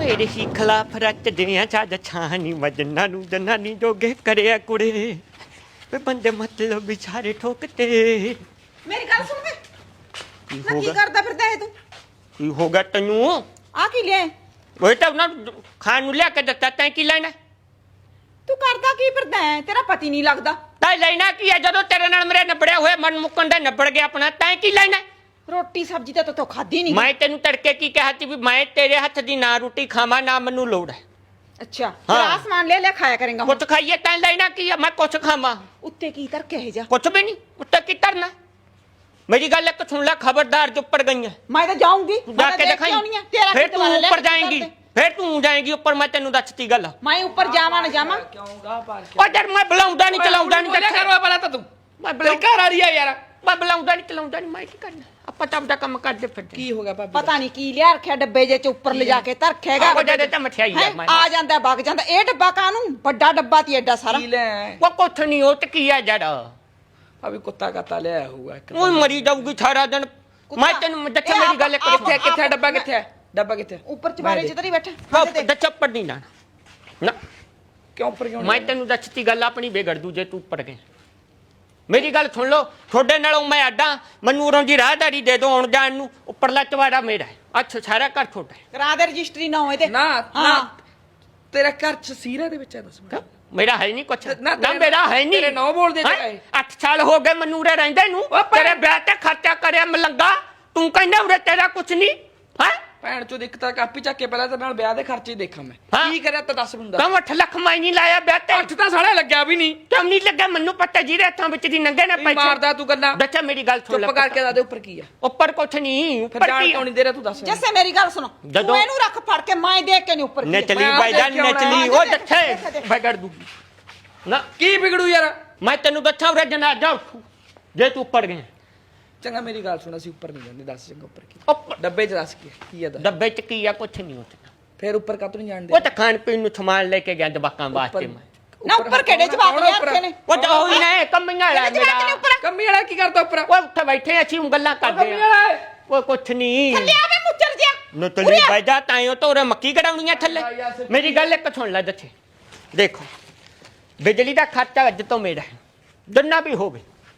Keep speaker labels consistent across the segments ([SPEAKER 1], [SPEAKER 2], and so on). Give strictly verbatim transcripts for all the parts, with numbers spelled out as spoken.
[SPEAKER 1] ਮੇਰੇ ਹੀ ਖਿਲਾਫ ਰਚਦੇ ਆ ਜਦ ਛਾਣੀ ਵਜਨਾਂ ਨੂੰ ਜਨਾਨੀ ਜੋਗੇ ਕਰਿਆ ਕੁੜੇ ਵੇ ਬੰਦੇ ਮਤਲਬ ਵਿਚਾਰੇ ਠੋਕਤੇ।
[SPEAKER 2] ਮੇਰੀ ਗੱਲ ਸੁਣ ਵੇ
[SPEAKER 1] ਕੀ
[SPEAKER 2] ਨਾ
[SPEAKER 1] ਹੋ
[SPEAKER 2] ਕੀ
[SPEAKER 1] ਗਿਆ
[SPEAKER 2] ਕਰਦਾ ਫਿਰਦਾ ਹੈ ਤੂੰ?
[SPEAKER 1] ਕੀ ਹੋ ਗਿਆ ਤੈਨੂੰ?
[SPEAKER 2] ਆ ਕੀ ਲਿਆ
[SPEAKER 1] ਉਹ ਤਾਂ ਉਹਨਾਂ ਨੂੰ ਖਾਣ ਨੂੰ ਲਿਆ ਕੇ ਦਿੱਤਾ ਤੈਂ ਕੀ ਲੈਣਾ?
[SPEAKER 2] ਤੂੰ ਕਰਦਾ ਕੀ ਫਿਰਦਾ ਹੈ? ਤੇਰਾ ਪਤੀ ਨਹੀਂ ਲੱਗਦਾ।
[SPEAKER 1] ਤੈਂ ਲੈਣਾ ਕੀ ਹੈ ਜਦੋਂ ਤੇਰੇ ਨਾਲ ਮੇਰੇ ਨਿਬੜਿਆ ਹੋਇਆ ਮਨ ਮੁੱਕਣ ਦਾ ਨਿਬੜ ਗਿਆ ਆਪਣਾ? ਤੈਂ ਕੀ ਲੈਣਾ?
[SPEAKER 2] ਰੋਟੀ ਸਬਜ਼ੀ ਤਾਂ ਤੂੰ ਖਾਦੀ ਨਹੀਂ।
[SPEAKER 1] ਮੈਂ ਤੈਨੂੰ ਤੜਕੇ ਕੀ ਕਿਹਾ ਸੀ ਵੀ ਮੈਂ ਤੇਰੇ ਹੱਥ ਦੀ ਨਾ ਰੋਟੀ ਖਾਵਾਂ ਨਾ ਮੈਨੂੰ ਲੋੜ ਹੈ।
[SPEAKER 2] ਅੱਛਾ ਫਿਰ
[SPEAKER 1] ਹਾਂ।
[SPEAKER 2] ਆਸਮਾਨ ਲੈ ਲੈ ਖਾਇਆ ਕਰੇਗਾ।
[SPEAKER 1] ਕੁਛ ਖਾਈਏ ਤੈਂ ਲੈਣਾ ਕੀ ਹੈ? ਮੈਂ ਕੁਛ ਖਾਵਾਂ?
[SPEAKER 2] ਉੱਤੇ ਕੀ ਤਰ ਕੇ ਜਾ?
[SPEAKER 1] ਕੁਛ ਵੀ ਨਹੀਂ। ਉੱਤੇ ਕੀ ਕਰਨਾ? मेरी गल एक सुन ले, खबरदार जो ऊपर गई है
[SPEAKER 2] मैं तो जाऊंगी
[SPEAKER 1] जाके दिखाई। फिर तू ऊपर जाएंगी, फिर तू जाएंगी ऊपर। मैं तेनू दसती गल
[SPEAKER 2] मैं ऊपर जावा ना जावा
[SPEAKER 1] ओ यार मैं बुलाऊंदा नहीं चलाऊंदा नहीं
[SPEAKER 3] क्या करवा पड़ा था तू? मैं बुला कर आ रही है यार।
[SPEAKER 1] मैं बुलाऊंदा नहीं चलाऊंदा नहीं। मैं की करना ਆਪਾਂ ਤਾਂ ਆਪਦਾ ਕੰਮ ਕਰਦੇ ਫਿਰਦੇ।
[SPEAKER 3] ਕੀ ਹੋ ਗਿਆ ਭਾਬੀ?
[SPEAKER 2] ਪਤਾ ਨਹੀਂ ਕੀ ਲਿਆ ਰੱਖਿਆ ਡੱਬੇ ਜੇ ਚ ਉੱਪਰ ਲਿਜਾ ਕੇ ਧਰਖੇਗਾ।
[SPEAKER 1] ਉਹ ਜਦੇ ਤਾਂ ਮਠਿਆਈ ਆ ਮੈਂ
[SPEAKER 2] ਆ ਜਾਂਦਾ ਵਗ ਜਾਂਦਾ। ਇਹ ਡੱਬਾ ਕਾਨੂੰ ਵੱਡਾ ਡੱਬਾ ਤੀ ਐਡਾ ਸਾਰਾ।
[SPEAKER 3] ਕੀ ਲੈ?
[SPEAKER 1] ਉਹ ਕੁਛ ਨਹੀਂ ਉਹ ਤੇ ਕੀ ਆ ਜੜ
[SPEAKER 3] ਅਭੀ ਕੁੱਤਾ ਕਾਤਾ ਲਿਆ ਹੋਊਗਾ।
[SPEAKER 1] ਉਹ ਮਰੀ ਜਾਊਗੀ ਸਾਰਾ ਦਿਨ। ਮੈਂ ਤੈਨੂੰ ਦੱਸਾਂ ਮੇਰੀ ਗੱਲ ਇੱਕ
[SPEAKER 3] ਕਿੱਥੇ ਕਿੱਥੇ ਡੱਬਾ ਕਿੱਥੇ ਹੈ? ਡੱਬਾ ਕਿੱਥੇ?
[SPEAKER 2] ਉੱਪਰ ਚਬਾਰੇ ਚ ਤਰੀ ਬੈਠਾ।
[SPEAKER 1] ਉਹ ਚੱਪੜ ਨਹੀਂ ਨਾ ਨਾ
[SPEAKER 3] ਕਿਉਂ ਉੱਪਰ ਕਿਉਂ?
[SPEAKER 1] ਮੈਂ ਤੈਨੂੰ ਦੱਸਤੀ ਗੱਲ ਆਪਣੀ ਵਿਗੜ ਦੂ ਜੇ ਤੂੰ ਉੱਪਰ ਗਿਆ। ਮੇਰੀ ਗੱਲ ਸੁਣ ਲਓ, ਤੁਹਾਡੇ ਨਾਲੋਂ ਮੈਂ ਅੱਡਾ। ਮੈਨੂੰ ਉਰੋਂ ਦੀ ਰਾਹਦਾਰੀ ਦੇ ਦੋ ਆਉਣ ਜਾਣ ਨੂੰ। ਉੱਪਰਲਾ ਚਵਾੜਾ ਮੇਰਾ ਹੈ। ਅੱਛਾ ਸਾਰਾ ਘਰ ਤੁਹਾਡਾ ਹੈ।
[SPEAKER 2] ਕਰਾ ਦੇ ਰਜਿਸਟਰੀ ਨਾ ਹੋਏ ਤੇ।
[SPEAKER 3] ਨਾ ਨਾ ਤੇਰਾ ਘਰ ਚ ਸੀਰਾ ਦੇ ਵਿੱਚ ਹੈ। ਦੱਸ ਮੈਨੂੰ।
[SPEAKER 1] ਮੇਰਾ ਹੈ ਨਹੀਂ ਕੁਛ
[SPEAKER 3] ਨਾ
[SPEAKER 1] ਨਾ ਮੇਰਾ ਹੈ ਨਹੀਂ।
[SPEAKER 3] ਤੇਰੇ ਨੌ ਬੋਲਦੇ
[SPEAKER 1] ਹੈਂ? ਅੱਠ ਸਾਲ ਹੋ ਗਏ ਮੈਨੂੰ ਉਰੇ ਰਹਿੰਦੇ ਨੂੰ। ਤੇਰੇ ਵਿਆਹ ਤੇ ਖਰਚਾ ਕਰਿਆ ਮਲੰਗਾ। ਤੂੰ ਕਹਿੰਦਾ ਉਰੇ ਤੇਰਾ ਕੁਛ ਨਹੀਂ ਹੈ।
[SPEAKER 3] ਭੈਣ ਚੋਦ ਇੱਕ ਤਾਂ ਕਾਪੀ ਚੱਕ ਕੇ ਪਹਿਲਾਂ ਤੇਰੇ ਨਾਲ ਵਿਆਹ ਦੇ ਖਰਚੇ ਦੇਖਾਂ ਮੈਂ।
[SPEAKER 1] ਹਾਂ।
[SPEAKER 3] ਕੀ ਕਰਿਆ ਤਾਂ ਦੱਸ ਮੈਨੂੰ।
[SPEAKER 1] ਕਮ ਅੱਠ ਲੱਖ ਮੈਂ ਨਹੀਂ ਲਾਇਆ ਵਿਆਹ ਤੇ।
[SPEAKER 3] ਅੱਠ ਤਾਂ ਸਾਲਾ ਲੱਗਿਆ ਵੀ ਨਹੀਂ।
[SPEAKER 1] ਕਿਉਂ ਨਹੀਂ ਲੱਗਾ? ਮੈਨੂੰ ਪਤਾ ਜਿਹਦੇ ਹੱਥਾਂ ਵਿੱਚ ਦੀ ਨੰਗੇ ਨੇ ਪੈਸੇ
[SPEAKER 3] ਮਾਰਦਾ ਤੂੰ ਗੱਲਾਂ।
[SPEAKER 1] ਦੱਸਿਆ ਮੇਰੀ ਗੱਲ ਸੁਣ ਲੈ।
[SPEAKER 3] ਚੁੱਪ ਕਰਕੇ ਦੱਸ ਦੇ ਉੱਪਰ ਕੀ ਆ?
[SPEAKER 1] ਉੱਪਰ ਕੁਛ ਨਹੀਂ।
[SPEAKER 3] ਫਿਰ
[SPEAKER 1] ਉੱਪਰ
[SPEAKER 3] ਜਾਣ
[SPEAKER 1] ਕੀ
[SPEAKER 3] ਕਿਉਂ ਨਹੀਂ ਦੇ ਰਿਹਾ ਤੂੰ ਦੱਸ।
[SPEAKER 2] ਜੱਸੇ ਮੇਰੀ ਗੱਲ ਸੁਣੋ। ਤੂੰ ਇਹਨੂੰ ਰੱਖ ਫੜ ਕੇ ਮੈਂ ਦੇਖ ਕੇ ਨਹੀਂ ਉੱਪਰ।
[SPEAKER 1] ਨਚਲੀ ਬਾਈਜਾਨ ਨਚਲੀ ਉਹ ਦੱਸੇ ਵਿਗੜ ਦੂਗੀ ਨਾ।
[SPEAKER 3] ਕੀ ਵਿਗੜੂ ਯਾਰ?
[SPEAKER 1] ਮੈਂ ਤੈਨੂੰ ਦੱਸਾਂ ਉਰੇ ਜਨਾਜ਼ਾ ਉੱਠੂ ਜੇ ਤੂੰ ਉੱਪਰ ਗਿਆ।
[SPEAKER 3] ਚੰਗਾ ਮੇਰੀ ਗੱਲ ਸੁਣ, ਅਸੀਂ ਉੱਪਰ ਨਹੀਂ ਜਾਂਦੇ। ਦੱਸ ਚੰਗਾ ਉੱਪਰ ਕੀ?
[SPEAKER 1] ਉੱਪਰ
[SPEAKER 3] ਡੱਬੇ 'ਚ ਦੱਸ ਕੀ ਕੀ ਆ? ਦੱਸ।
[SPEAKER 1] ਡੱਬੇ ਚ ਕੀ ਆ? ਕੁਛ ਨਹੀਂ ਉੱਥੇ।
[SPEAKER 3] ਫਿਰ ਉੱਪਰ ਕਾਤੋਂ ਨਹੀਂ ਜਾਣਦੇ?
[SPEAKER 1] ਉਹ ਤਾਂ ਖਾਣ ਪੀਣ ਨੂੰ ਸਮਾਨ ਲੈ ਕੇ ਗਿਆ ਜਵਾਕਾਂ ਵਾਸਤੇ ਮੈਂ।
[SPEAKER 2] ਨਾ ਉੱਪਰ ਕਿਹੜੇ ਜਵਾਬ ਨੇ ਰੱਖੇ ਨੇ?
[SPEAKER 1] ਉਹ ਤਾਂ ਉਹੀ ਨੇ ਕੰਮੀਆਂ ਵਾਲਾ ਮੇਰਾ।
[SPEAKER 3] ਕੰਮੀ ਵਾਲਾ ਕੀ ਕਰਦਾ ਉੱਪਰ?
[SPEAKER 1] ਉਹ ਉੱਥੇ ਬੈਠੇ ਅਸੀਂ ਉਹ ਗੱਲਾਂ ਕਰਦੇ
[SPEAKER 3] ਕੰਮੀ
[SPEAKER 1] ਆ।
[SPEAKER 3] ਵਾਲਾ
[SPEAKER 1] ਉਹ ਕੁਛ ਨਹੀਂ।
[SPEAKER 2] ਥੱਲੇ ਆਵੇ ਮੁੱਚਰ ਜਿਆ।
[SPEAKER 1] ਨਤਲੀ ਬਾਈਜਾ ਤਾਈਓ ਤੋਂ ਉਰੇ ਮੱਕੀ ਕਢਾਉਣੀਆਂ ਥੱਲੇ। ਮੇਰੀ ਗੱਲ ਇੱਕ ਸੁਣ ਲੈ ਦੱਸੇ। ਦੇਖੋ ਬਿਜਲੀ ਦਾ ਖਰਚਾ ਅੱਜ ਤੋਂ ਮੇਰਾ ਹੈ, ਜਿੰਨਾ ਵੀ ਹੋਵੇ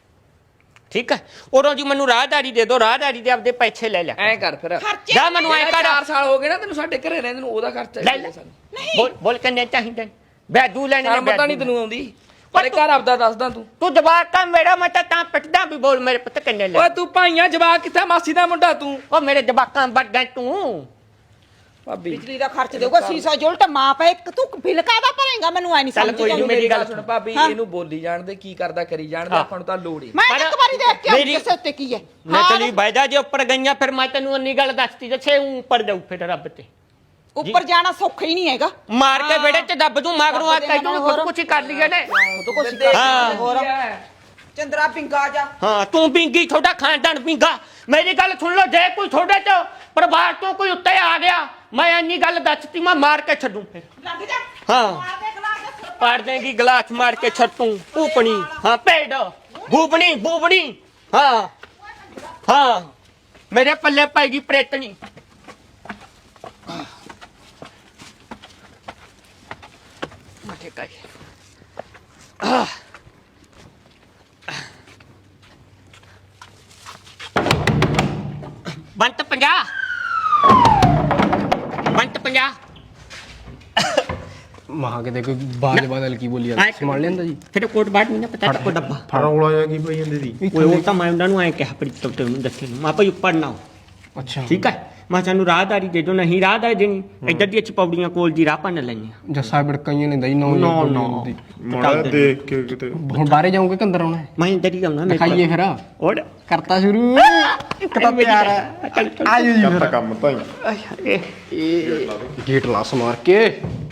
[SPEAKER 1] ਠੀਕ ਹੈ। ਉਰੋਂ ਜੀ ਮੈਨੂੰ ਰਾਹਦਾਰੀ ਦੇ ਦੋ। ਰਾਹਦਾਰੀ ਦੇ ਆਪਦੇ ਪੈਸੇ ਲੈ ਲੈ।
[SPEAKER 3] ਐ ਕਰ ਫਿਰ
[SPEAKER 1] ਜਾ ਮੈਨੂੰ ਐ ਕਰ।
[SPEAKER 3] ਚਾਰ ਸਾਲ ਹੋ ਗਏ ਨਾ ਤੈਨੂੰ ਸਾਡੇ ਘਰੇ ਰਹਿੰਦੇ ਨੂੰ। ਉਹਦਾ ਖਰਚਾ
[SPEAKER 1] ਲੈ ਲੈ। ਬੋਲ ਬੋਲ ਕਿੰਨੇ ਚਾਹੀਦੇ? ਬੈਦੂ ਲੈਣੇ ਨੇ।
[SPEAKER 3] ਪਤਾ ਨਹੀਂ ਤੈਨੂੰ ਆਉਂਦੀ ਪਰ ਘਰ ਆਪਦਾ ਦੱਸਦਾ ਤੂੰ।
[SPEAKER 1] ਤੂੰ ਜਵਾਕ ਤਾਂ ਮੇਰਾ ਮੈਂ ਤਾਂ ਤਾਂ ਪਿੱਟਦਾ ਵੀ ਬੋਲ ਮੇਰੇ ਪੁੱਤ ਕਿੰਨੇ ਲੈ।
[SPEAKER 3] ਓਏ ਤੂੰ ਭਾਈਆਂ ਜਵਾਕ ਕਿੱਥੇ? ਮਾਸੀ ਦਾ ਮੁੰਡਾ ਤੂੰ।
[SPEAKER 1] ਉਹ ਮੇਰੇ ਜਵਾਕਾਂ ਵੱਡਾ ਤੂੰ।
[SPEAKER 3] ਭਾਬੀ
[SPEAKER 2] ਬਿਜਲੀ ਦਾ ਖਰਚ ਦੇਊਗਾ। ਸੀਸਾ ਜੁਲਟ ਮਾਂ ਪੈ ਇੱਕ ਤੂੰ ਬਿੱਲ ਕਾਹਦਾ ਭਰੇਗਾ? ਮੈਨੂੰ ਐ ਨਹੀਂ
[SPEAKER 1] ਚੱਲ
[SPEAKER 2] ਸਮਝ
[SPEAKER 1] ਕੋਈ ਨੀ,
[SPEAKER 2] ਆਉਂਦੀ।
[SPEAKER 3] ਮੇਰੀ ਗੱਲ ਸੁਣ ਭਾਬੀ, ਇਹਨੂੰ ਬੋਲੀ ਜਾਣਦੇ ਕੀ ਕਰਦਾ ਕਰੀ ਜਾਣਦੇ। ਆਪਾਂ ਨੂੰ ਤਾਂ ਲੋੜ ਹੀ।
[SPEAKER 2] ਮੈਂ ਇੱਕ ਵਾਰੀ ਦੇਖ ਕੇ ਆਉਂਦੀ
[SPEAKER 1] ਮੇਰੀ-
[SPEAKER 2] ਕਿਸੇ ਉੱਤੇ ਕੀ ਹੈ।
[SPEAKER 1] ਮੈਂ ਚਲੀ ਬਾਈਜਾ ਜੇ ਉੱਪਰ ਗਈਆਂ ਫਿਰ ਮੈਂ ਤੈਨੂੰ ਇੰਨੀ ਗੱਲ ਦੱਸਤੀ ਜੇ ਉੱਪਰ ਜਾਊ ਫਿਰ ਰੱਬ ਤੇ।
[SPEAKER 2] ਉੱਪਰ ਜਾਣਾ ਸੌਖਾ ਹੀ ਨਹੀਂ ਹੈਗਾ।
[SPEAKER 1] ਮਾਰ ਕੇ ਵਿਹੜੇ ਚ ਦੱਬ ਦੂੰ ਮਗਰੋਂ ਆ ਕਹਿ ਦੂੰ ਖੁਦ ਕੁਛ ਹੀ ਕਰ ਲਈਏ ਨੇ। ਹਾਂ
[SPEAKER 2] ਹੋਰ ਚੰਦਰਾ ਪਿੰਗਾ ਜਾ।
[SPEAKER 1] ਹਾਂ ਤੂੰ ਪਿੰਗੀ ਤੁਹਾਡਾ ਖਾਨਦਾਨ ਪਿੰਗਾ। ਮੇਰੀ ਗੱਲ ਸੁਣ ਲਓ, ਜੇ ਕੋਈ ਤੁਹਾਡੇ ਚ ਪਰਿਵਾਰ ਤੋਂ ਕੋਈ ਉੱਤੇ ਆ ਗਿਆ ਮੈਂ ਇੰਨੀ ਗੱਲ ਦੱਸਤੀ ਮੈਂ ਮਾਰ ਕੇ ਛੱਡੂ ਫਿਰ।
[SPEAKER 2] ਲੱਗ ਜਾ।
[SPEAKER 1] ਹਾਂ
[SPEAKER 2] ਮਾਰ ਦੇ ਗਲਾਸ।
[SPEAKER 1] ਪਾੜ ਦੇਂਗੀ ਗਲਾਸ ਮਾਰ ਕੇ ਛੱਟੂ। ਭੂਪਣੀ ਹਾਂ ਭੇਡ ਭੂਪਣੀ ਭੂਪਣੀ ਹਾਂ ਹਾਂ ਮੇਰੇ ਪੱਲੇ ਪਾਏਗੀ ਪ੍ਰੇਤਣੀ। ਮਠੇ ਕਾਈ ਆਹ ਬੰਤ ਪੰਜਾਹ ਬੰਤ ਪੰਜਾਹ
[SPEAKER 4] ਮਹਾ ਕਿਤੇ ਕੋਈ ਬਾਜ ਬਦਲ ਕੀ ਬੋਲੀ ਜਾਂਦਾ ਸੰਭਾਲ ਲੈਂਦਾ ਜੀ।
[SPEAKER 1] ਫਿਰ ਕੋਟ ਬਾਟ ਨਹੀਂ ਨਾ ਪਤਾ ਕੋ ਡੱਬਾ
[SPEAKER 4] ਫੜਾ ਉਲਾ ਜਾ ਕੀ ਪਈ ਜਾਂਦੀ ਦੀ।
[SPEAKER 1] ਉਹ ਉਹ ਤਾਂ ਮੈਂ ਉਹਨਾਂ ਨੂੰ ਐ ਕਿਹਾ ਪ੍ਰੀਤਮ ਤੇ ਉਹਨੂੰ ਦੱਸੇ ਨੂੰ ਆਪਾਂ ਉੱਪਰ ਨਾ ਹੋ।
[SPEAKER 4] ਅੱਛਾ
[SPEAKER 1] ਠੀਕ ਹੈ ਮੈਂ ਸਾਨੂੰ ਰਾਹਦਾਰੀ ਦੇ ਦੋ। ਨਹੀਂ ਰਾਹਦਾਰੀ ਦੇਣੀ ਇੱਧਰ ਦੀ ਚਪੌੜੀਆਂ ਕੋਲ ਦੀ ਰਾਹ ਭੰਨ ਲੈਣੀ ਆ।
[SPEAKER 4] ਜੱਸਾ ਬਿੜਕਾਈਆਂ ਨੇ ਦਈ ਨੌ
[SPEAKER 1] ਨੋ ਨੋ
[SPEAKER 5] ਮਾੜਾ ਦੇਖ ਕੇ ਕਿਤੇ
[SPEAKER 4] ਹੁਣ ਬਾਹਰੇ ਜਾਊਂਗੇ ਕਿ ਅੰਦਰ ਆਉਣਾ ਹੈ?
[SPEAKER 1] ਮੈਂ ਇੱਧਰ ਹੀ ਆਉਣਾ ਮੇਰੇ ਕੋਲ।
[SPEAKER 4] ਦਿਖਾਈਏ ਫਿਰ
[SPEAKER 1] ਔਰ
[SPEAKER 4] ਕਰਤਾ ਸ਼ੁਰੂ। ਇੱਕ ਤਾਂ ਪਿਆਰ ਹੈ। ਆਜੋ ਜੀ
[SPEAKER 5] ਕਰਤਾ ਕੰਮ ਤਾਂ ਹੀ
[SPEAKER 1] ਇਹ
[SPEAKER 4] ਗੇਟ ਲਾਸ ਮਾਰ ਕੇ